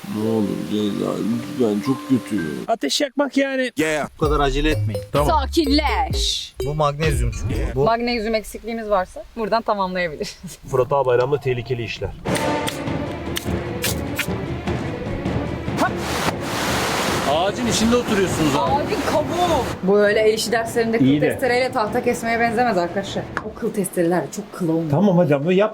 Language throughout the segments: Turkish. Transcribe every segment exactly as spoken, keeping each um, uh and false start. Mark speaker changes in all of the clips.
Speaker 1: Ne olur Ceyda, ben çok kötüyüm. Ateş yakmak yani.
Speaker 2: Yeah. Bu kadar acele etmeyin.
Speaker 3: Tamam.
Speaker 4: Sakinleş.
Speaker 2: Bu magnezyum çubuğu. Bu
Speaker 4: Magnezyum eksikliğimiz varsa buradan tamamlayabiliriz.
Speaker 3: Fırat Ağbayram'da tehlikeli işler. Ağacın içinde oturuyorsunuz abi.
Speaker 4: Abi kabuğu. Bu öyle el işi derslerinde kıl
Speaker 3: İyi de.
Speaker 4: testereyle tahta kesmeye benzemez arkadaşlar. O kıl testereler çok kıl olmuyor.
Speaker 3: Tamam hadi ama yap.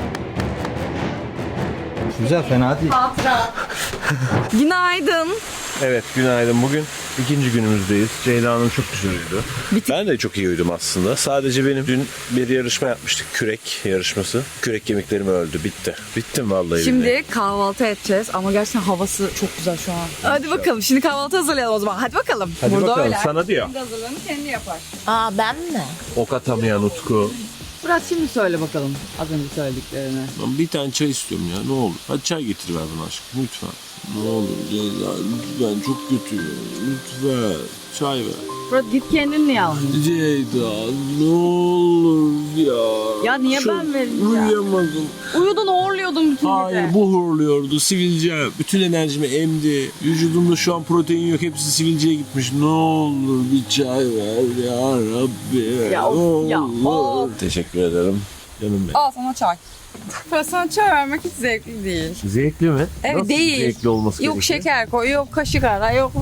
Speaker 2: güzel, fena değil.
Speaker 4: Hatıra. Günaydın.
Speaker 3: Evet, günaydın. Bugün ikinci günümüzdeyiz. Ceyda Hanım çok güzel uyudu. Ben de çok iyi uyudum aslında. Sadece benim dün bir yarışma yapmıştık. Kürek yarışması. Kürek kemiklerim öldü. Bitti. Bittim vallahi. billahi.
Speaker 4: Şimdi kahvaltı edeceğiz ama gerçekten havası çok güzel şu an. Hadi bakalım şimdi kahvaltı hazırlayalım o zaman. Hadi bakalım.
Speaker 3: Hadi
Speaker 4: Burada
Speaker 3: bakalım
Speaker 4: öyle.
Speaker 3: sana diyor.
Speaker 4: Kendi hazırlığını kendi yapar.
Speaker 5: Aa ben mi?
Speaker 3: Ok atamayan Utku.
Speaker 4: Fırat şimdi söyle bakalım az önce söylediklerini.
Speaker 1: Ben bir tane çay istiyorum ya, ne olur. Hadi çay getir ver bana aşkım, lütfen. Ne olur Ceyda, ben çok kötüyüm. Lütfen çay ver.
Speaker 4: Fırat git kendin niye almıyorsun?
Speaker 1: Ceyda, ne olur ya.
Speaker 4: Ya niye
Speaker 1: Çok
Speaker 4: ben vereceğim?
Speaker 1: Uyuyamadım.
Speaker 4: Uyudun horluyordun bütün
Speaker 1: Hayır,
Speaker 4: gece.
Speaker 1: bu horluyordu. Sivilce bütün enerjimi emdi. Vücudumda şu an protein yok. Hepsi sivilceye gitmiş. Ne olur bir çay ver ya Rabbi.
Speaker 4: Ya
Speaker 1: ne
Speaker 4: of, ya
Speaker 1: olur.
Speaker 4: of.
Speaker 1: Teşekkür ederim. Canım benim.
Speaker 4: Al sana çay. Fırat sana çay vermek hiç zevkli değil.
Speaker 3: Zevkli mi?
Speaker 4: Evet,
Speaker 3: Nasıl
Speaker 4: değil.
Speaker 3: zevkli olması
Speaker 4: Yok
Speaker 3: gerekiyor?
Speaker 4: şeker koy, yok kaşık ara, yok...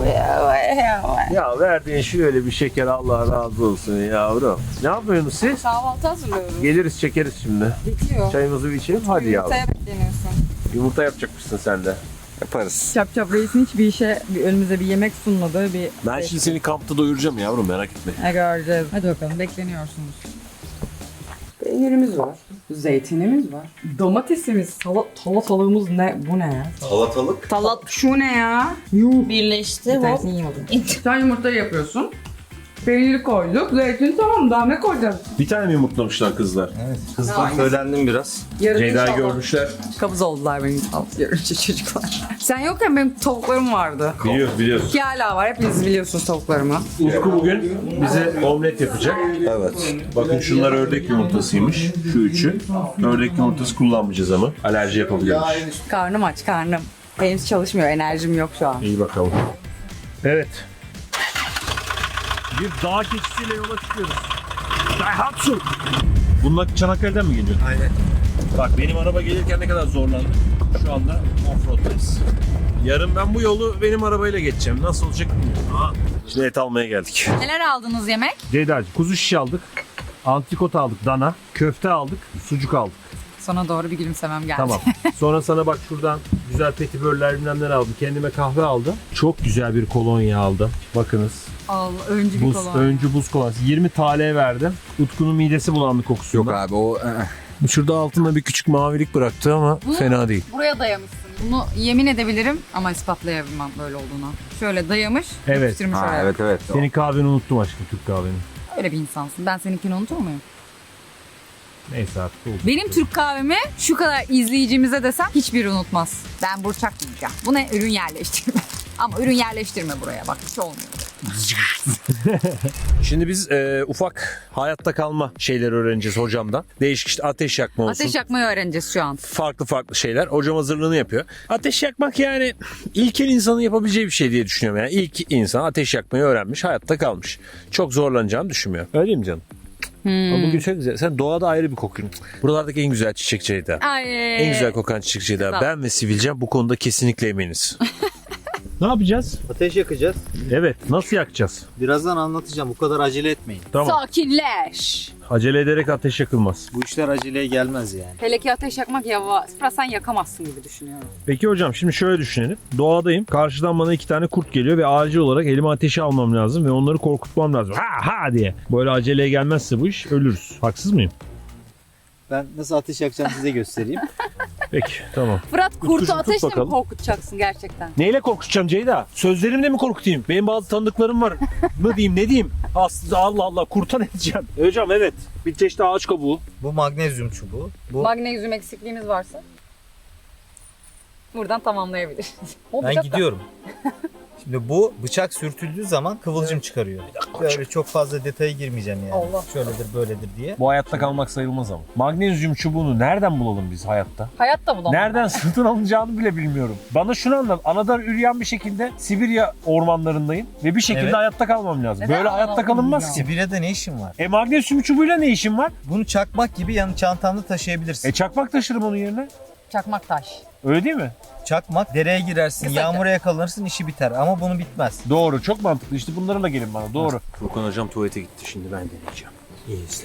Speaker 3: Ya verdiğin şöyle bir şeker, Allah razı olsun yavrum. Ne yapıyorsunuz siz?
Speaker 4: Kahvaltı hazırlıyoruz.
Speaker 3: Geliriz çekeriz şimdi.
Speaker 4: Bitiyor.
Speaker 3: Çayımızı bir içelim hadi yavrum.
Speaker 4: Yumurtaya bekleniyorsun.
Speaker 3: Yumurta yapacakmışsın sen de. Yaparız.
Speaker 4: Çap çap reisin hiçbir işe, bir önümüze bir yemek sunmadığı bir...
Speaker 1: Ben şimdi seni kampta doyuracağım yavrum, merak etme.
Speaker 4: Ne göreceğiz. Hadi bakalım bekleniyorsunuz. Peynirimiz var. Zeytinimiz var. Domatesimiz, salat, salatalığımız ne? Bu ne ya?
Speaker 2: Salatalık.
Speaker 4: Salat şu ne ya? Yuh.
Speaker 5: Birleşti.
Speaker 4: Bir
Speaker 5: Hop.
Speaker 4: tanesini yiyemedim. Sen yumurtayı yapıyorsun. Peyniri koyduk. Zeytin tamam, daha ne koyacağız?
Speaker 3: Bir tane mi yumurtlamışlar kızlar?
Speaker 2: Evet. Kızdan söylendim biraz.
Speaker 4: Yarın
Speaker 3: Ceyda'yı
Speaker 4: inşallah
Speaker 3: görmüşler.
Speaker 4: kabız oldular benim alt görünce çocuklar. Sen yokken benim tavuklarım vardı.
Speaker 3: Biliyoruz biliyoruz.
Speaker 4: Ki hala var. Hepiniz biliyorsunuz tavuklarımı.
Speaker 3: Utku bugün bize omlet yapacak.
Speaker 2: Evet.
Speaker 3: Bakın şunlar ördek yumurtasıymış. Şu üçü. Ördek yumurtası kullanmayacağız ama. Alerji yapabiliyormuş.
Speaker 4: Karnım aç, karnım. Henüz çalışmıyor. Enerjim yok şu an.
Speaker 3: İyi bakalım. Evet. Bir dağ keçisiyle yola çıkıyoruz. Daihatsu. Bunlar Çanakkale'den mi geliyor?
Speaker 2: Aynen.
Speaker 3: Bak benim araba gelirken ne kadar zorlandım. Şu anda offroad'dayız. Yarın ben bu yolu benim arabayla geçeceğim. Nasıl olacak bilmiyorum. Aa, şimdi et almaya geldik.
Speaker 4: Neler aldınız yemek?
Speaker 3: Ceyda'cığım kuzu şiş aldık. Antrikot aldık, dana. Köfte aldık, sucuk aldık.
Speaker 4: Sana doğru bir gülümsemem geldi.
Speaker 3: Tamam. Sonra sana bak şuradan güzel petibörler bilmem neler aldım. Kendime kahve aldım. Çok güzel bir kolonya aldım. Bakınız.
Speaker 4: Al, öncü bir
Speaker 3: Buz,
Speaker 4: kolon.
Speaker 3: öncü buz kolonyası. yirmi T L verdim. Utku'nun midesi bulandı kokusundan.
Speaker 2: Yok abi o...
Speaker 1: Şurada altında bir küçük mavilik bıraktı ama
Speaker 4: Bu-
Speaker 1: fena değil.
Speaker 4: Buraya dayamışsın. Bunu yemin edebilirim ama ispatlayamam böyle olduğunu. Şöyle dayamış,
Speaker 3: Evet.
Speaker 4: yapıştırmış
Speaker 2: Ha,
Speaker 4: oraya.
Speaker 2: evet evet.
Speaker 3: Senin kahveni unuttum aşkım, Türk kahveni.
Speaker 4: Öyle bir insansın. Ben seninkini unutur muyum?
Speaker 3: Neyse artık oldu.
Speaker 4: Benim Türk kahvemi şu kadar izleyicimize desem hiçbiri unutmaz. Ben burçak diyeceğim. Bu ne? Ürün yerleştirme. Ama ürün yerleştirme buraya bak. Hiç olmuyor.
Speaker 3: Şimdi biz e, ufak hayatta kalma şeyleri öğreneceğiz hocamdan. Değişik işte ateş yakma olsun.
Speaker 4: Ateş yakmayı öğreneceğiz şu an.
Speaker 3: Farklı farklı şeyler. Hocam hazırlığını yapıyor. Ateş yakmak yani ilkel insanın yapabileceği bir şey diye düşünüyorum. Yani ilk insan ateş yakmayı öğrenmiş, hayatta kalmış. Çok zorlanacağını düşünmüyorum. Öyle mi canım?
Speaker 4: Hmm.
Speaker 3: Ama bugün çok güzel. Sen doğada ayrı bir kokuyorsun. Buralardaki en güzel çiçek Ceyda.
Speaker 4: Ay.
Speaker 3: En güzel kokan çiçek Ceyda.
Speaker 4: Sağ ol.
Speaker 3: Ben ve Sivilcem bu konuda kesinlikle eminiz. Ne yapacağız?
Speaker 2: Ateş yakacağız.
Speaker 3: Evet. Nasıl yakacağız?
Speaker 2: Birazdan anlatacağım. Bu kadar acele etmeyin.
Speaker 3: Tamam.
Speaker 4: Sakinleş.
Speaker 3: Acele ederek ateş yakılmaz.
Speaker 2: Bu işler aceleye gelmez yani.
Speaker 4: Hele ki ateş yakmak yavaş. Sen yakamazsın gibi düşünüyorum.
Speaker 3: Peki hocam şimdi şöyle düşünelim. Doğadayım. Karşıdan bana iki tane kurt geliyor ve acil olarak elime ateşi almam lazım ve onları korkutmam lazım. Ha ha diye. Böyle aceleye gelmezse bu iş ölürüz. Haksız mıyım?
Speaker 2: Ben nasıl ateş yakacağım size göstereyim.
Speaker 3: Peki tamam.
Speaker 4: Fırat kurtu
Speaker 3: Utkucuğum, tut
Speaker 4: ateşle mi
Speaker 3: bakalım.
Speaker 4: korkutacaksın gerçekten?
Speaker 3: Neyle korkutacağım Ceyda? Sözlerimle mi korkutayım? Benim bazı tanıdıklarım var. Ne diyeyim ne diyeyim? Aslında Allah Allah kurta ne diyeceğim? Hocam evet. Bir çeşit ağaç kabuğu.
Speaker 2: Bu magnezyum çubuğu. Bu
Speaker 4: Magnezyum eksikliğimiz varsa buradan tamamlayabiliriz.
Speaker 2: ben gidiyorum. Şimdi bu bıçak sürtüldüğü zaman kıvılcım çıkarıyor. Böyle çok fazla detaya girmeyeceğim yani.
Speaker 4: Allah.
Speaker 2: Şöyledir böyledir diye.
Speaker 3: Bu hayatta kalmak sayılmaz ama. Magnezyum çubuğunu nereden bulalım biz hayatta?
Speaker 4: Hayatta bulamam.
Speaker 3: Nereden satın alınacağını bile bilmiyorum. Bana şunu anlat. Anadan üreyen bir şekilde Sibirya ormanlarındayım ve bir şekilde
Speaker 2: Evet.
Speaker 3: hayatta kalmam lazım.
Speaker 4: Neden
Speaker 3: Böyle hayatta
Speaker 4: anadan
Speaker 3: kalınmaz
Speaker 4: ya?
Speaker 3: ki.
Speaker 2: Sibirya'da ne işin var?
Speaker 3: E magnezyum çubuğuyla ne işin var?
Speaker 2: Bunu çakmak gibi yanı çantanda taşıyabilirsin.
Speaker 3: E çakmak taşırım onun yerine.
Speaker 4: Çakmak taş.
Speaker 3: Öyle değil mi?
Speaker 2: Çakmak, dereye girersin,
Speaker 4: Kısaca.
Speaker 2: yağmura yakalanırsın, işi biter. Ama bunu bitmez.
Speaker 3: Doğru. Çok mantıklı. İşte bunlarla gelin bana. Doğru.
Speaker 1: Furkan hocam tuvalete gitti. Şimdi ben deneyeceğim. İyi izle.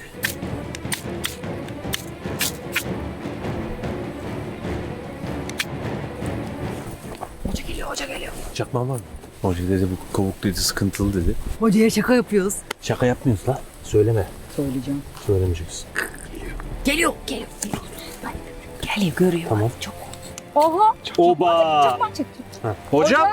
Speaker 4: Hoca geliyor, hoca geliyor.
Speaker 1: Çakmağın var mı? Hoca dedi bu kavuk dedi sıkıntılı dedi.
Speaker 4: Hocaya şaka yapıyoruz.
Speaker 1: Şaka yapmıyoruz la. Söyleme.
Speaker 4: Söyleyeceğim.
Speaker 1: Söylemeyeceksin.
Speaker 4: Geliyor, geliyor. Geliyor, görüyor.
Speaker 1: Tamam.
Speaker 4: Çok. Oha.
Speaker 3: Oba!
Speaker 4: Çakmak çekti.
Speaker 3: Hocam.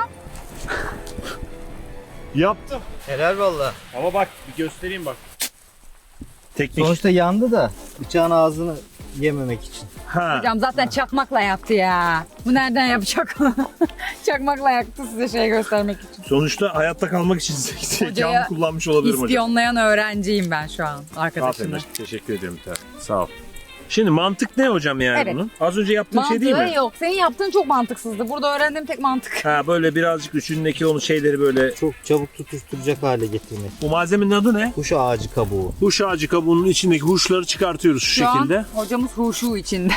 Speaker 3: Yaptım.
Speaker 2: Helal valla.
Speaker 3: Ama bak bir göstereyim bak. Teknik.
Speaker 2: Sonuçta yandı da bıçağın ağzını yememek için.
Speaker 3: Ha.
Speaker 4: Hocam zaten çakmakla yaktı ya. Bu nereden yapacak? Çakmakla yaktı size şey göstermek için.
Speaker 3: Sonuçta hayatta kalmak için
Speaker 4: Hocaya
Speaker 3: zekamı kullanmış olabilirim hocam.
Speaker 4: İspiyonlayan öğrenciyim ben şu an arkadaşımla.
Speaker 3: Aferin. Teşekkür ederim. Sağ ol. Şimdi mantık ne hocam yani
Speaker 4: Evet.
Speaker 3: bunun? Az önce yaptığın şey değil mi?
Speaker 4: Mantığı yok. Senin yaptığın çok mantıksızdı. Burada öğrendiğim tek mantık.
Speaker 3: Ha böyle birazcık üçündeki onun şeyleri böyle.
Speaker 2: Çok çabuk tutuşturacak hale getirmek.
Speaker 3: Bu malzemenin adı ne?
Speaker 2: Kuş ağacı kabuğu.
Speaker 3: Huş ağacı kabuğunun içindeki huşları çıkartıyoruz şu,
Speaker 4: Şu
Speaker 3: şekilde.
Speaker 4: an hocamız huşu içinde.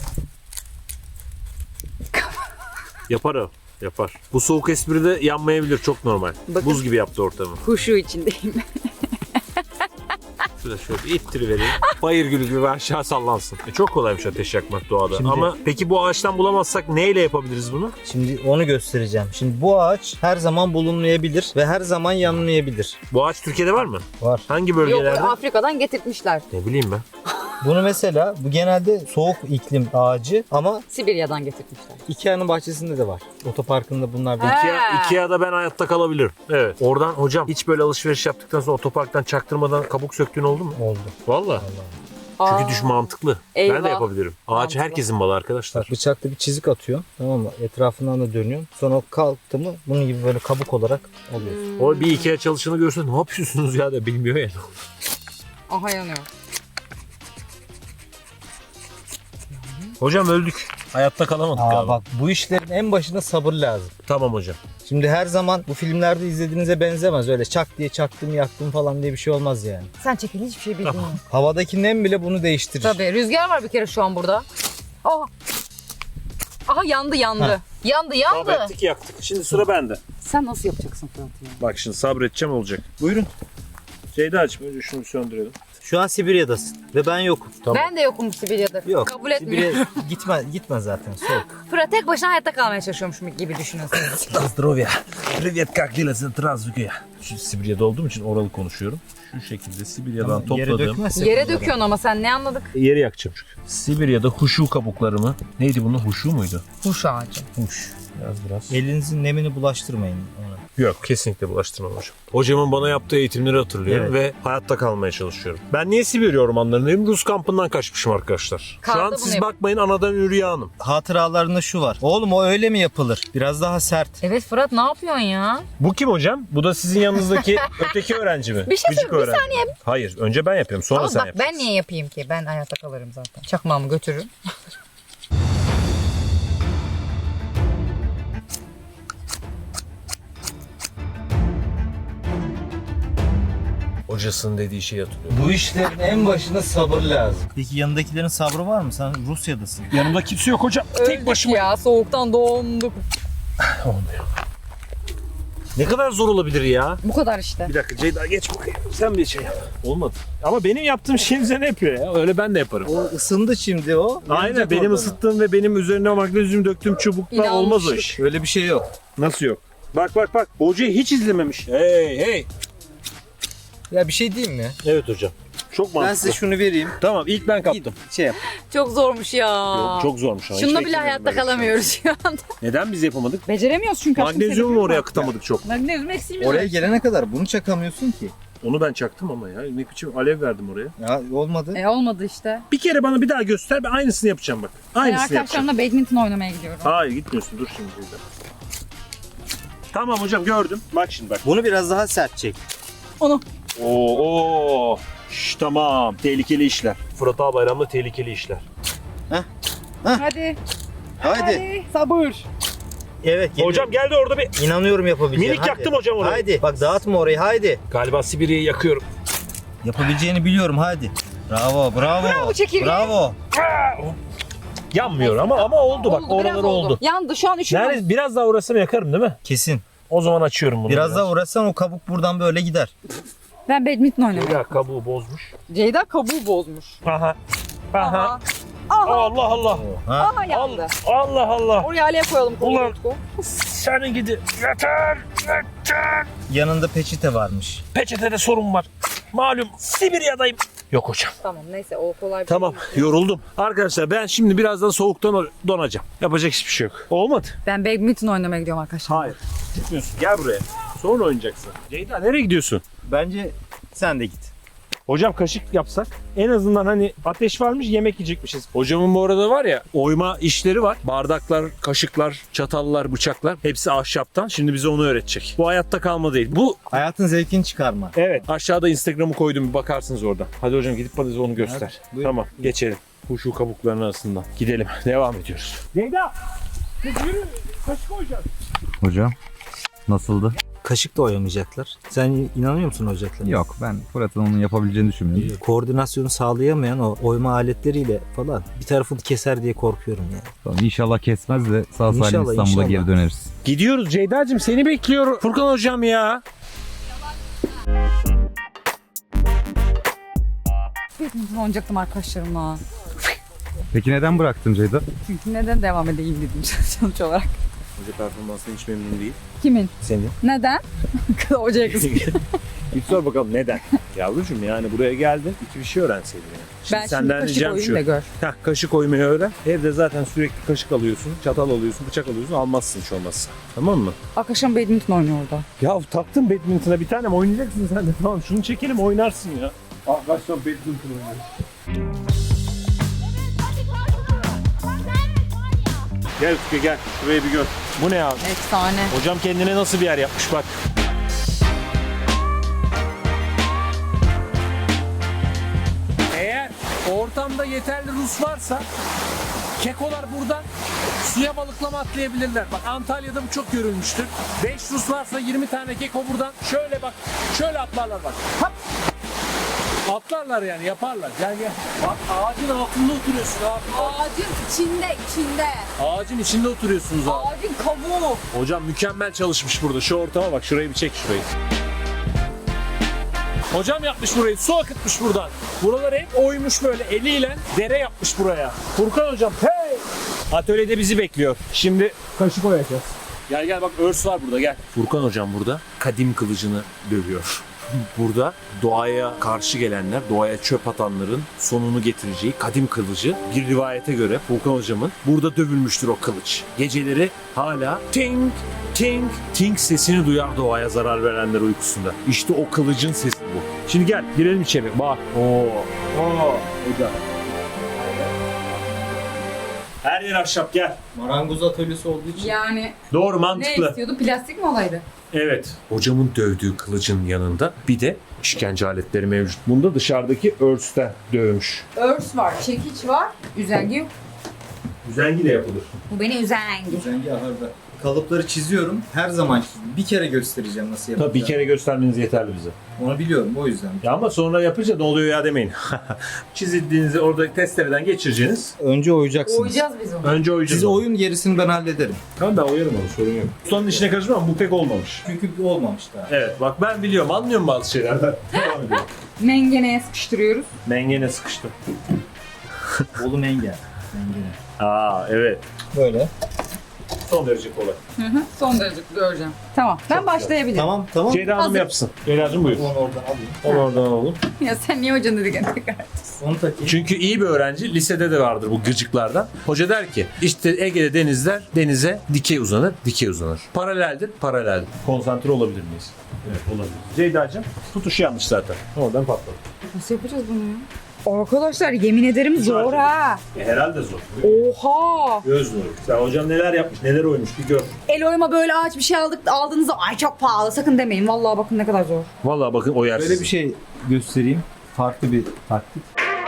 Speaker 3: Yapar o. Yapar. Bu soğuk espride yanmayabilir. Çok normal.
Speaker 4: Bakın.
Speaker 3: Buz gibi yaptı ortamı.
Speaker 4: Huşu içindeyim.
Speaker 3: Şurada şöyle bir ittirivereyim. Bayır gülü gibi aşağı sallansın. E çok kolaymış ateş yakmak doğada.
Speaker 2: Şimdi-
Speaker 3: Ama peki bu ağaçtan bulamazsak neyle yapabiliriz bunu?
Speaker 2: Şimdi onu göstereceğim. Şimdi bu ağaç her zaman bulunmayabilir ve her zaman yanmayabilir.
Speaker 3: Bu ağaç Türkiye'de var mı?
Speaker 2: Var.
Speaker 3: Hangi
Speaker 4: Yok
Speaker 3: bölgelerde?
Speaker 4: Afrika'dan getirtmişler.
Speaker 3: Ne bileyim ben.
Speaker 2: Bunu mesela bu genelde soğuk iklim ağacı ama
Speaker 4: Sibirya'dan getirmişler.
Speaker 2: Ikea'nın bahçesinde de var. Otoparkında bunlar var.
Speaker 4: He.
Speaker 3: Ikea, Ikea'da ben hayatta kalabilirim. Evet. Oradan hocam hiç böyle alışveriş yaptıktan sonra otoparktan çaktırmadan kabuk söktüğün oldu mu?
Speaker 2: Oldu.
Speaker 3: Valla.
Speaker 4: Aa,
Speaker 3: Çünkü düş mantıklı. Ben
Speaker 4: Eyvah.
Speaker 3: de yapabilirim. Ağaç
Speaker 4: Mantıklı.
Speaker 3: herkesin malı arkadaşlar.
Speaker 2: Bak bıçakla bir çizik atıyor. Tamam mı? Etrafından da dönüyor. Sonra o kalktı mı bunun gibi böyle kabuk olarak alıyorsun.
Speaker 3: O bir Ikea çalışanı görse ne yapıyorsunuz ya da bilmiyor ya.
Speaker 4: Aha yanıyor.
Speaker 3: Hocam öldük. Hayatta kalamadık
Speaker 2: Aa
Speaker 3: galiba.
Speaker 2: bak bu işlerin en başında sabır lazım.
Speaker 3: Tamam hocam.
Speaker 2: Şimdi her zaman bu filmlerde izlediğinize benzemez. Öyle çak diye çaktım yaktım falan diye bir şey olmaz yani.
Speaker 4: Sen çekil hiçbir şey bilmiyorsun.
Speaker 2: Havadaki nem bile bunu değiştirir.
Speaker 4: Tabii rüzgar var bir kere şu an burada. Aha. Aha yandı yandı.
Speaker 2: Ha.
Speaker 4: Yandı yandı.
Speaker 3: Sabrettik yaktık. Şimdi sıra bende.
Speaker 4: Sen nasıl yapacaksın Fırat ya?
Speaker 3: Bak şimdi sabredeceğim olacak. Buyurun. Şeyde açma. Önce şunu bir söndürelim.
Speaker 2: Şu an Sibirya'dasın ve ben yokum.
Speaker 4: Ben de yokum Sibirya'da.
Speaker 2: Yok.
Speaker 4: Kabul etmiyorum.
Speaker 2: Sibirya gitme, gitme zaten soğuk.
Speaker 4: Fırat tek başına hayatta kalmaya çalışıyormuş gibi düşünün.
Speaker 3: Zdrovya. Привет, как дела? Здравствуй. Şu Sibirya'da olduğum için oralı konuşuyorum. Şu şekilde Sibirya'dan
Speaker 2: Yere
Speaker 3: topladığım...
Speaker 2: dökmezsek
Speaker 4: Yere
Speaker 2: bunları.
Speaker 4: döküyorsun ama sen ne anladık?
Speaker 3: Yeri yakacağım çünkü. Sibirya'da huşu kabuklarımı... Neydi bunun? Huşu muydu?
Speaker 4: Huş ağacı.
Speaker 3: Huş. Biraz biraz.
Speaker 2: Elinizin nemini bulaştırmayın ona.
Speaker 3: Yok kesinlikle bulaştırmam hocam. Hocamın bana yaptığı eğitimleri hatırlıyorum
Speaker 2: Evet.
Speaker 3: ve hayatta kalmaya çalışıyorum. Ben niye Sibirya ormanlarındayım? Rus kampından kaçmışım arkadaşlar. Şu
Speaker 4: Karda
Speaker 3: an
Speaker 4: bunu
Speaker 3: siz
Speaker 4: yap-
Speaker 3: bakmayın anadan Ürya Hanım.
Speaker 2: Hatıralarında şu var. Oğlum o öyle mi yapılır? Biraz daha sert.
Speaker 4: Evet Fırat ne yapıyorsun ya?
Speaker 3: Bu kim hocam? Bu da sizin yanınızdaki öteki öğrenci mi?
Speaker 4: Bir şey
Speaker 3: Gıcık
Speaker 4: söyle, bir
Speaker 3: öğrenci.
Speaker 4: saniye.
Speaker 3: Hayır önce ben yapıyorum sonra
Speaker 4: Ama
Speaker 3: sen
Speaker 4: bak
Speaker 3: yapacaksın.
Speaker 4: ben niye yapayım ki? Ben hayatta kalırım zaten. Çakmağımı götürürüm.
Speaker 3: Hocasının dediği şeyi hatırlıyorum.
Speaker 2: Bu işlerin en başında sabır lazım. Peki yanındakilerin sabrı var mı? Sen Rusya'dasın.
Speaker 3: Yanımda kimse yok hocam.
Speaker 4: Öldük ya soğuktan donduk.
Speaker 3: Olmuyor. Ne kadar zor olabilir ya?
Speaker 4: Bu kadar işte.
Speaker 3: Bir dakika Ceyda geç bakayım. Sen bir şey yap. Olmadı. Ama benim yaptığım şeyi üzerine yapıyor ya. Öyle ben de yaparım.
Speaker 2: O ısındı şimdi o.
Speaker 3: Aynen
Speaker 2: Yanacak
Speaker 3: benim
Speaker 2: orada.
Speaker 3: ısıttığım ve benim üzerine magnezyum döktüğüm çubukla
Speaker 4: İnanmışlık.
Speaker 3: olmaz o iş.
Speaker 2: Öyle bir şey yok.
Speaker 3: Nasıl yok? Bak bak bak. Hocayı hiç izlememiş. Hey hey.
Speaker 2: Ya bir şey diyeyim mi?
Speaker 3: Evet hocam. Çok mantıklı.
Speaker 2: Ben size şunu vereyim.
Speaker 3: Tamam ilk ben kaptım.
Speaker 2: Şey yap.
Speaker 4: Çok zormuş ya.
Speaker 3: Yok, çok zormuş ama. hiç
Speaker 4: Şununla bile
Speaker 3: beklemiyordum
Speaker 4: hayatta
Speaker 3: böyle bir şey.
Speaker 4: kalamıyoruz şu anda.
Speaker 3: Neden biz yapamadık?
Speaker 4: Beceremiyoruz çünkü. aşkım,
Speaker 3: Magnezyumu
Speaker 4: sebebi
Speaker 3: mu oraya
Speaker 4: var.
Speaker 3: akıtamadık çok?
Speaker 4: Magnezyum eksiğimiz
Speaker 2: Oraya
Speaker 4: var.
Speaker 2: gelene kadar bunu çakamıyorsun ki.
Speaker 3: Onu ben çaktım ama ya. Ne biçim alev verdim oraya.
Speaker 2: Ya olmadı.
Speaker 4: E olmadı işte.
Speaker 3: Bir kere bana bir daha göster. Ben aynısını yapacağım bak.
Speaker 4: Ben
Speaker 3: Aynısını yapacağım.
Speaker 4: arkadaşlarımla badminton oynamaya gidiyorum.
Speaker 3: Hayır gitmiyorsun. Dur şimdi burada. Tamam hocam gördüm. Bak şimdi bak.
Speaker 2: Bunu biraz daha sert çek.
Speaker 4: Onu.
Speaker 3: Oo, oo. Şş, tamam. Tehlikeli işler. Fırat Albayram'da tehlikeli işler.
Speaker 4: Hadi.
Speaker 2: Haydi.
Speaker 4: Sabır.
Speaker 2: Evet. geliyor.
Speaker 3: Hocam geldi orada bir...
Speaker 2: İnanıyorum yapabileceğine.
Speaker 3: Minik
Speaker 2: Hadi.
Speaker 3: yaktım hocam orayı.
Speaker 2: Haydi. Bak dağıtma orayı haydi.
Speaker 3: Galiba Sibirya'yı yakıyorum.
Speaker 2: Yapabileceğini biliyorum haydi. Bravo bravo.
Speaker 4: Bravo çekirge.
Speaker 2: Bravo.
Speaker 3: Yanmıyor ama ama oldu bak.
Speaker 4: Oldu, biraz
Speaker 3: Oraları oldu.
Speaker 4: Yandı şu an üşüyorum.
Speaker 3: Yani biraz daha uğrasam yakarım değil mi?
Speaker 2: Kesin.
Speaker 3: O zaman açıyorum bunu.
Speaker 2: Biraz daha uğraşsan o kabuk buradan böyle gider.
Speaker 4: Ben badminton oynamayı.
Speaker 3: Ya kabuğu bozmuş.
Speaker 4: Ceyda kabuğu bozmuş.
Speaker 3: Aha. Aha.
Speaker 4: Aha. Aha.
Speaker 3: Allah Allah.
Speaker 2: Ha.
Speaker 4: Aha yandı.
Speaker 3: Allah Allah.
Speaker 4: Oraya aleye koyalım.
Speaker 3: Ulan.
Speaker 4: Ulan.
Speaker 3: Senin gidi. Yeter. Yeter.
Speaker 2: Yanında peçete varmış.
Speaker 3: Peçetede sorun var. Malum Sibirya'dayım. Yok hocam.
Speaker 4: Tamam neyse o kolay. bir
Speaker 3: Tamam
Speaker 4: şey.
Speaker 3: yoruldum. Arkadaşlar ben şimdi birazdan soğuktan donacağım. Yapacak hiçbir şey yok. Olmadı.
Speaker 4: Ben badminton oynamaya gidiyorum arkadaşlar.
Speaker 3: Hayır. Gitmiyorsun. Gel buraya. Sonra oynayacaksın. Ceyda nereye gidiyorsun?
Speaker 2: Bence sen de git.
Speaker 3: Hocam kaşık yapsak en azından hani ateş varmış yemek yiyecekmişiz. Hocamın bu arada var ya oyma işleri var. Bardaklar, kaşıklar, çatallar, bıçaklar hepsi ahşaptan. Şimdi bize onu öğretecek. Bu hayatta kalma değil. Bu
Speaker 2: Hayatın zevkini çıkarma.
Speaker 3: evet aşağıda Instagram'ı koydum bir bakarsınız orada. Hadi hocam gidip bana onu göster.
Speaker 2: Evet, buyurun.
Speaker 3: Tamam geçelim. Bu şu kabukların arasından. Gidelim. Devam ediyoruz. Ceyda! Yürü! Kaşık koyacağız.
Speaker 5: Hocam nasıldı?
Speaker 2: Kaşık da oyamayacaklar. Sen inanıyor musun oyacaklarına?
Speaker 5: Yok, ben Fırat'ın onu yapabileceğini düşünmüyorum.
Speaker 2: Koordinasyonu sağlayamayan o oyma aletleriyle falan bir tarafını keser diye korkuyorum yani.
Speaker 5: Tamam, İnşallah kesmez de sağ salim
Speaker 2: İnşallah,
Speaker 5: İstanbul'a
Speaker 2: inşallah.
Speaker 5: geri döneriz.
Speaker 3: Gidiyoruz Ceyda'cığım seni bekliyor Furkan hocam ya.
Speaker 4: Badminton oynayacaktım arkadaşlarımla.
Speaker 5: Peki neden bıraktın Ceyda?
Speaker 4: Çünkü neden devam edeyim dedim sonuç olarak.
Speaker 3: Hoca performansından hiç memnun değil.
Speaker 4: Kimin?
Speaker 3: Senin.
Speaker 4: Neden? Hocaya kız.
Speaker 3: Bir sor bakalım neden? Yavrucuğum yani buraya geldin iki bir şey öğrenseydin yani. Şimdi
Speaker 4: Ben
Speaker 3: senden
Speaker 4: şimdi kaşık
Speaker 3: ricam
Speaker 4: oyayım
Speaker 3: şu.
Speaker 4: da gör.
Speaker 3: Heh, kaşık oymayı öğren. Evde zaten sürekli kaşık alıyorsun, çatal alıyorsun, bıçak alıyorsun. Almazsın hiç olmazsa. Tamam mı?
Speaker 4: Arkadaşım badminton oynuyor orada.
Speaker 3: Ya taktın badminton'a bir tanem oynayacaksın sen de. Tamam şunu çekelim oynarsın ya. Arkadaşlar badminton oynuyor. Gel Utku gel. Şurayı bir gör. Bu ne abi?
Speaker 4: Efsane.
Speaker 3: Hocam kendine nasıl bir yer yapmış bak. Eğer ortamda yeterli Rus varsa kekolar buradan suya balıklama atlayabilirler. Bak Antalya'da bu çok görülmüştür. beş Rus varsa yirmi tane keko buradan şöyle bak şöyle atlarlar bak. Hop. Atlarlar yani yaparlar. Gel gel. Bak ağacın altında oturuyorsun abi.
Speaker 4: Ağacın içinde, içinde.
Speaker 3: Ağacın içinde oturuyorsunuz abi.
Speaker 4: Ağacın kabuğu.
Speaker 3: Hocam mükemmel çalışmış burada. Şu ortama bak. Şurayı bir çek şurayı. Hocam yapmış burayı. Su akıtmış buradan. Buraları hep oymuş böyle eliyle. Dere yapmış buraya. Furkan hocam hey! Atölyede bizi bekliyor. Şimdi kaşık oyacağız. Gel gel bak örs var burada gel. Furkan hocam burada kadim kılıcını dövüyor. Burada doğaya karşı gelenler, doğaya çöp atanların sonunu getireceği kadim kılıcı bir rivayete göre Furkan hocamın burada dövülmüştür o kılıç. Geceleri hala ting ting ting sesini duyar doğaya zarar verenler uykusunda. İşte o kılıcın sesi bu. Şimdi gel girelim içeri. Bak. Oo. Oo. Hocam. Her yer ahşap gel.
Speaker 2: Marangoz atölyesi olduğu için.
Speaker 4: Yani
Speaker 3: Doğru
Speaker 4: ne
Speaker 3: mantıklı.
Speaker 4: istiyordu? Plastik mi olaydı?
Speaker 3: Evet. Hocamın dövdüğü kılıcın yanında bir de işkence aletleri mevcut. Bunda dışarıdaki örsten dövmüş.
Speaker 4: Örs var, çekiç var, üzengi yok.
Speaker 3: Üzengiyle yapılır.
Speaker 4: Bu beni üzengi.
Speaker 2: Zengi ahırda. Kalıpları çiziyorum. Her zaman çiziyorum. Bir kere göstereceğim nasıl yapacağım.
Speaker 3: Tabii bir kere göstermeniz yeterli bize.
Speaker 2: Onu biliyorum o yüzden.
Speaker 3: Ya ama sonra yapınca ne oluyor ya demeyin. Çizildiğinizi orada testereden geçireceğiniz.
Speaker 2: Önce oyacaksınız.
Speaker 4: Oyacağız biz onu.
Speaker 3: Önce oyacağız.
Speaker 2: Siz oyun gerisini ben hallederim.
Speaker 3: Tamam ben oyarım onu sorun yok. Ustanın işine karışmam ama bu pek olmamış.
Speaker 2: Çünkü olmamış daha.
Speaker 3: Evet bak ben biliyorum anlıyorum bazı şeylerden. Devam edelim.
Speaker 4: Mengeneye sıkıştırıyoruz.
Speaker 3: Mengene sıkıştım.
Speaker 2: Bolu menge. Mengene.
Speaker 3: Aa evet.
Speaker 2: Böyle.
Speaker 3: Son derece kolay.
Speaker 4: Hı hı. Son derece göreceğim. Tamam. Ben başlayabilirim.
Speaker 2: Tamam tamam.
Speaker 3: Ceyda Hanım
Speaker 4: Hazır.
Speaker 3: yapsın. Ceyda'cığım buyur.
Speaker 2: Onu oradan alayım.
Speaker 3: Onu oradan alalım.
Speaker 4: Ya sen niye hocanı dedik tekrar?
Speaker 2: Onu takayım.
Speaker 3: Çünkü iyi bir öğrenci lisede de vardır bu gıcıklardan. Hoca der ki işte Ege'de denizler denize dikey uzanır, dikey uzanır. Paraleldir, paraleldir. Konsantre olabilir miyiz? Evet olabilir. Ceyda'cığım tutuşu yanlış zaten. Oradan patladı.
Speaker 4: Nasıl yapacağız bunu ya? Arkadaşlar yemin ederim zor ha.
Speaker 3: E, herhalde zor.
Speaker 4: Oha.
Speaker 3: Göz nuru. Sen hocam neler yapmış, neler oymuş bir gör.
Speaker 4: El oyma böyle ağaç bir şey aldık aldığınızda ay çok pahalı sakın demeyin. Vallahi bakın ne kadar zor.
Speaker 3: Vallahi bakın o yer
Speaker 5: Böyle bir şey göstereyim. Farklı bir taktik.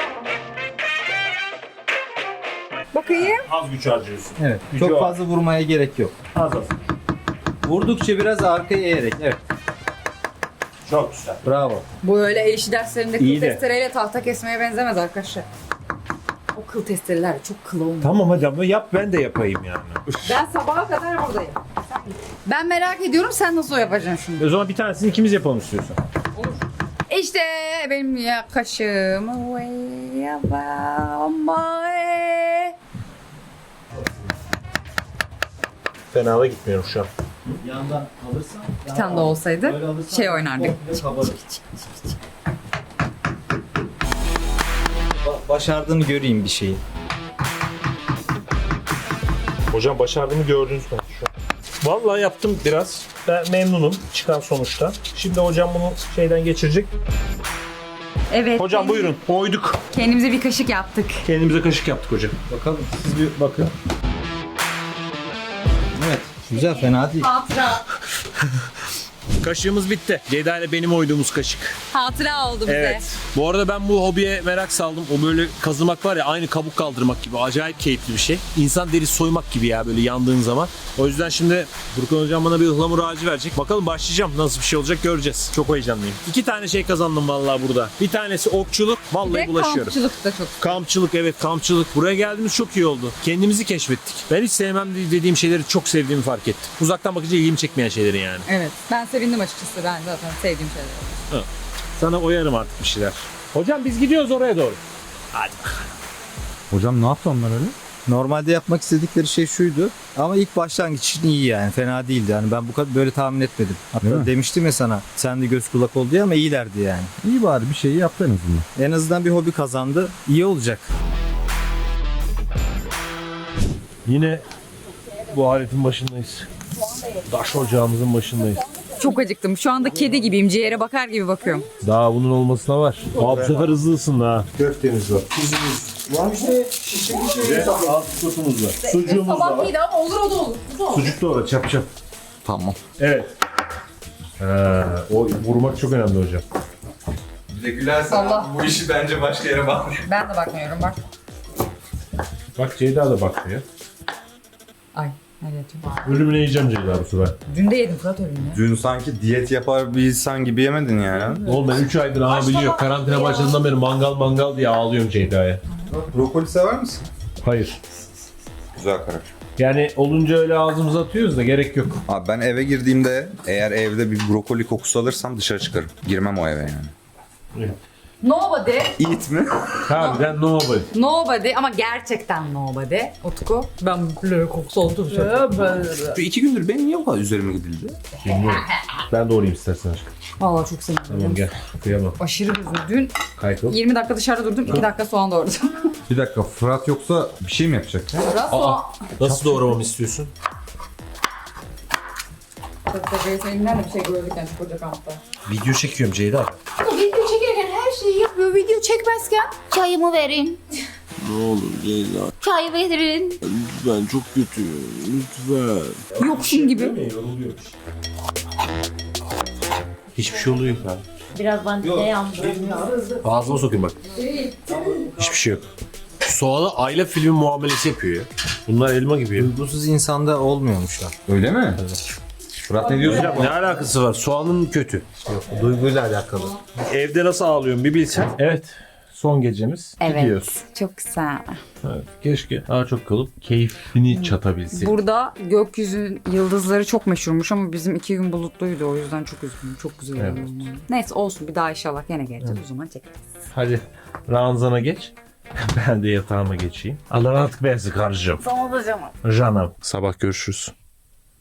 Speaker 4: Bakayım.
Speaker 3: Az güç harcıyorsun.
Speaker 5: Evet.
Speaker 3: Gücü
Speaker 5: Çok
Speaker 3: var.
Speaker 5: fazla vurmaya gerek yok.
Speaker 3: Az az.
Speaker 5: Vurdukça biraz arkaya eğerek. Evet.
Speaker 3: Çok güzel.
Speaker 5: Bravo.
Speaker 4: Bu öyle el işi derslerinde kıl
Speaker 3: İyi de.
Speaker 4: testereyle tahta kesmeye benzemez arkadaşlar. O kıl testereler çok kıl olmuyor.
Speaker 3: Tamam hadi ama yap ben de yapayım yani.
Speaker 4: Ben sabaha kadar buradayım. Ben merak ediyorum sen nasıl yapacaksın şimdi?
Speaker 3: O zaman bir tanesini ikimiz yapalım istiyorsan.
Speaker 4: İşte benim yakışım.
Speaker 3: Fena da gitmiyorum şu an.
Speaker 5: Yandan alırsan
Speaker 4: Bir tane de olsaydı şey oynardık.
Speaker 5: Başardığını göreyim bir şeyi.
Speaker 3: Hocam başardığımı gördünüz mü şu an? Vallahi yaptım biraz. Ben memnunum çıkan sonuçta. Şimdi hocam bunu şeyden geçirecek.
Speaker 4: Evet.
Speaker 3: Hocam buyurun. Oyduk.
Speaker 4: Kendimize bir kaşık yaptık.
Speaker 3: Kendimize kaşık yaptık hocam.
Speaker 5: Bakalım.
Speaker 3: Siz bir bakın.
Speaker 5: Evet. Güzel, fena değil.
Speaker 4: Hatıra.
Speaker 1: Kaşığımız bitti. Ceyda ile benim oyduğumuz kaşık.
Speaker 4: Hatıra oldu bize.
Speaker 1: Evet. Bu arada ben bu hobiye merak saldım. O böyle kazımak var ya aynı kabuk kaldırmak gibi. Acayip keyifli bir şey. İnsan derisi soymak gibi ya böyle yandığın zaman. O yüzden şimdi Burkan hocam bana bir ıhlamur ağacı verecek. Bakalım başlayacağım. Nasıl bir şey olacak göreceğiz. Çok heyecanlıyım. İki tane şey kazandım vallahi burada. Bir tanesi okçuluk. Vallahi
Speaker 4: Ve
Speaker 1: bulaşıyorum.
Speaker 4: kampçılık da çok.
Speaker 1: Kampçılık evet kampçılık. Buraya geldiğimiz çok iyi oldu. Kendimizi keşfettik. Ben hiç sevmem dediğim şeyleri çok sevdiğimi fark ettim. Uzaktan bakınca ilgimi çekmeyen şeyleri yani.
Speaker 4: Evet. Ben sevindim açıkçası. Ben zaten sevdiğim şeyler.
Speaker 1: Sana oyarım artık bir şeyler. Hocam biz gidiyoruz oraya doğru. Hadi bakalım.
Speaker 5: Hocam ne yaptı onlar öyle? Normalde yapmak istedikleri şey şuydu. Ama ilk başlangıç için iyi yani. Fena değildi. Yani ben bu kadar böyle tahmin etmedim. Değil Hatta mi? demiştim ya sana. Sen de göz kulak ol diye ama iyilerdi yani. İyi bari bir şeyi yaptı en azından. En azından bir hobi kazandı. İyi olacak.
Speaker 3: Yine bu aletin başındayız. Taş ocağımızın başındayız.
Speaker 4: Çok acıktım. Şu anda kedi gibiyim. Ciğere bakar gibi bakıyorum.
Speaker 3: Daha bunun olmasına var. Aa, bu sefer hızlı ısındı ha.
Speaker 5: Köftemiz var.
Speaker 3: Alt sotumuz var. Sucuğumuz
Speaker 4: Sabah
Speaker 3: var.
Speaker 4: iyiydi ama olur o da olur. O da olur.
Speaker 3: Sucuk da var çap çap.
Speaker 5: Tamam.
Speaker 3: Evet. Ha, o vurmak çok önemli hocam.
Speaker 6: Bir de gülersen
Speaker 4: Allah.
Speaker 6: bu işi bence başka yere bağlıyor.
Speaker 4: Ben de bakmıyorum bak.
Speaker 3: Bak Ceyda da bakmıyor.
Speaker 4: Ay. Nereye atayım?
Speaker 3: Ölümüne yiyeceğim Ceyda bu sefer.
Speaker 4: Dün de yedim Fırat ölümünü.
Speaker 6: Dün sanki diyet yapar bir insan gibi yemedin yani.
Speaker 3: Oğlum ben üç aydır ama biliyor. Karantina başladığından beri mangal mangal diye ağlıyorum Ceyda'ya.
Speaker 6: Brokoli sever misin?
Speaker 3: Hayır.
Speaker 6: Güzel karar.
Speaker 3: Yani olunca öyle ağzımıza atıyoruz da gerek yok.
Speaker 6: Abi ben eve girdiğimde eğer evde bir brokoli kokusu alırsam dışarı çıkarım. Girmem o eve yani.
Speaker 4: Nobody.
Speaker 6: Eat mi?
Speaker 3: Harbiden nobody.
Speaker 4: Nobody ama gerçekten nobody. Utku. Ben böyle kokusu olduğum şey.
Speaker 6: Şu iki gündür benim niye o kadar üzerime gidildi?
Speaker 3: Bilmiyorum. Ben doğrayayım istersen aşkım.
Speaker 4: Vallahi çok sevindim.
Speaker 3: Tamam gel. Kıyamam.
Speaker 4: Aşırı güzel. Dün
Speaker 3: Kaykıl.
Speaker 4: yirmi dakika dışarıda durdum. iki dakika soğan doğradım.
Speaker 5: Bir dakika, Fırat yoksa bir şey mi yapacak?
Speaker 4: Biraz soğan.
Speaker 3: Nasıl doğramamı istiyorsun?
Speaker 4: Tabii tabii seninle de bir şey gördük yani şu koca kampta.
Speaker 3: Video çekiyorum Ceyda.
Speaker 7: Video çekerken her şeyi yapıyor. Video çekmezken çayımı verin.
Speaker 1: Ne olur Ceyda.
Speaker 7: Çay verin.
Speaker 1: Lütfen çok kötüyüm. Lütfen.
Speaker 4: Yoksun gibi.
Speaker 3: Hiçbir şey oluyor ya.
Speaker 7: Biraz ben de yandım.
Speaker 3: Ağzıma sokayım bak. Hiçbir şey yok. Soğan'a Ayla filmi muamelesi yapıyor ya. Bunlar elma gibi ya.
Speaker 5: Duygusuz insanda olmuyormuşlar. Öyle mi? Fırat ne diyorsun?
Speaker 3: Hocam ne alakası var? Soğanın kötü.
Speaker 5: Duyguyla alakalı.
Speaker 3: Evde nasıl ağlıyorum bir bilsen. Evet. Son gecemiz.
Speaker 4: Evet.
Speaker 3: Gidiyoruz.
Speaker 4: Çok güzel.
Speaker 3: Evet. Keşke daha çok kalıp keyfini çatabilsek.
Speaker 4: Burada gökyüzü yıldızları çok meşhurmuş ama bizim iki gün bulutluydu o yüzden çok üzgünüm. Çok güzel
Speaker 3: Evet.
Speaker 4: oldu. Neyse olsun bir daha inşallah gene geleceğiz o zaman çekeriz.
Speaker 3: Hadi ranzana geç. Ben de yatağıma geçeyim. Allah rahatlık versin karıcığım.
Speaker 4: Sana da canım.
Speaker 3: Canım. Sabah görüşürüz.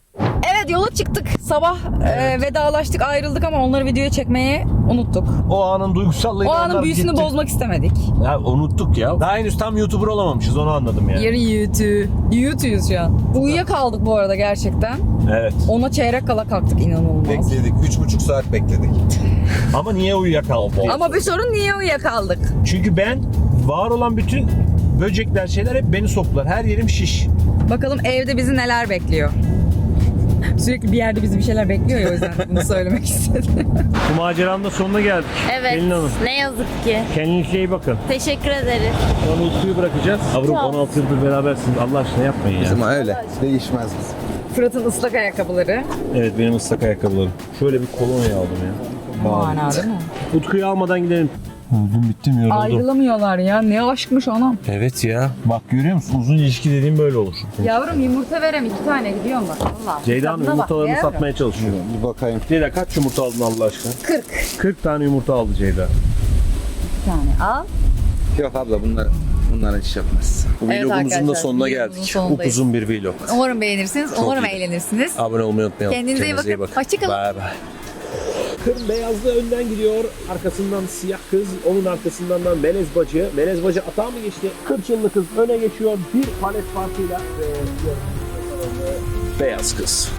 Speaker 4: Evet, yola çıktık. Sabah e, vedalaştık, ayrıldık ama onları videoya çekmeyi unuttuk.
Speaker 1: O anın duygusallığıyla
Speaker 4: O anın
Speaker 1: onlar
Speaker 4: büyüsünü
Speaker 1: gitti.
Speaker 4: bozmak istemedik.
Speaker 1: Ya unuttuk ya. Daha henüz tam YouTuber olamamışız, onu anladım yani.
Speaker 4: Yarın YouTube. YouTube'yuz şu an. Uyuyakaldık bu arada gerçekten.
Speaker 1: Evet.
Speaker 4: Ona çeyrek kala kalktık, inanılmaz.
Speaker 6: Bekledik. Üç buçuk saat bekledik.
Speaker 1: Ama niye uyuyakaldık?
Speaker 4: Ama bir sorun, niye uyuyakaldık?
Speaker 1: Çünkü ben var olan bütün böcekler şeyler hep beni soktular. Her yerim şiş.
Speaker 4: Bakalım evde bizi neler bekliyor. Sürekli bir yerde bizi bir şeyler bekliyor ya, o yüzden bunu söylemek istedim.
Speaker 1: Bu maceranın da sonuna geldik.
Speaker 8: Evet.
Speaker 1: Pelin Hanım.
Speaker 8: Ne yazık ki.
Speaker 1: Kendinize iyi bakın.
Speaker 8: Teşekkür ederiz.
Speaker 1: Onu Utku'yu bırakacağız. Yavrum on altı yıldır berabersiniz. Allah aşkına yapmayın ya.
Speaker 6: Ama öyle. Değişmez bizim.
Speaker 4: Fırat'ın ıslak ayakkabıları.
Speaker 1: Evet, benim ıslak ayakkabılarım. Şöyle bir kolonya aldım ya.
Speaker 4: Mana değil mi?
Speaker 1: Utku'yu almadan gidelim. Öldüm bittim yoruldum.
Speaker 4: Ayrılamıyorlar ya. Ne aşkmış anam.
Speaker 1: Evet ya. Bak görüyor musun? Uzun ilişki dediğim böyle olur.
Speaker 4: Yavrum yumurta verem, iki tane gidiyorum bak. Allah.
Speaker 1: Ceyda Hanım
Speaker 4: Tadına bak,
Speaker 1: yumurtalarını
Speaker 4: yavrum.
Speaker 1: satmaya çalışıyor.
Speaker 6: Bir bakayım.
Speaker 1: Ceyda kaç yumurta aldın Allah aşkına?
Speaker 4: kırk
Speaker 1: kırk tane yumurta aldı Ceyda.
Speaker 4: tane al.
Speaker 6: Yok abla bunlar bunlar hiç yapmaz.
Speaker 1: Bu
Speaker 4: Evet
Speaker 1: vlogumuzun da
Speaker 4: arkadaşlar,
Speaker 1: sonuna
Speaker 4: vlogumuzun
Speaker 1: geldik.
Speaker 4: sonundayız.
Speaker 1: Upuzun bir vlog.
Speaker 4: Umarım beğenirsiniz. Umarım
Speaker 1: iyi.
Speaker 4: eğlenirsiniz.
Speaker 1: Abone olmayı unutmayalım.
Speaker 4: Kendinize iyi bakın. Hoşçakalın.
Speaker 1: Bay bay. Kırm beyazlı önden gidiyor. Arkasından siyah kız. Onun arkasından da melez bacı. Melez bacı atağa mı geçti? Kırçınlı kız öne geçiyor. Bir palet farkıyla. Ve beyaz kız.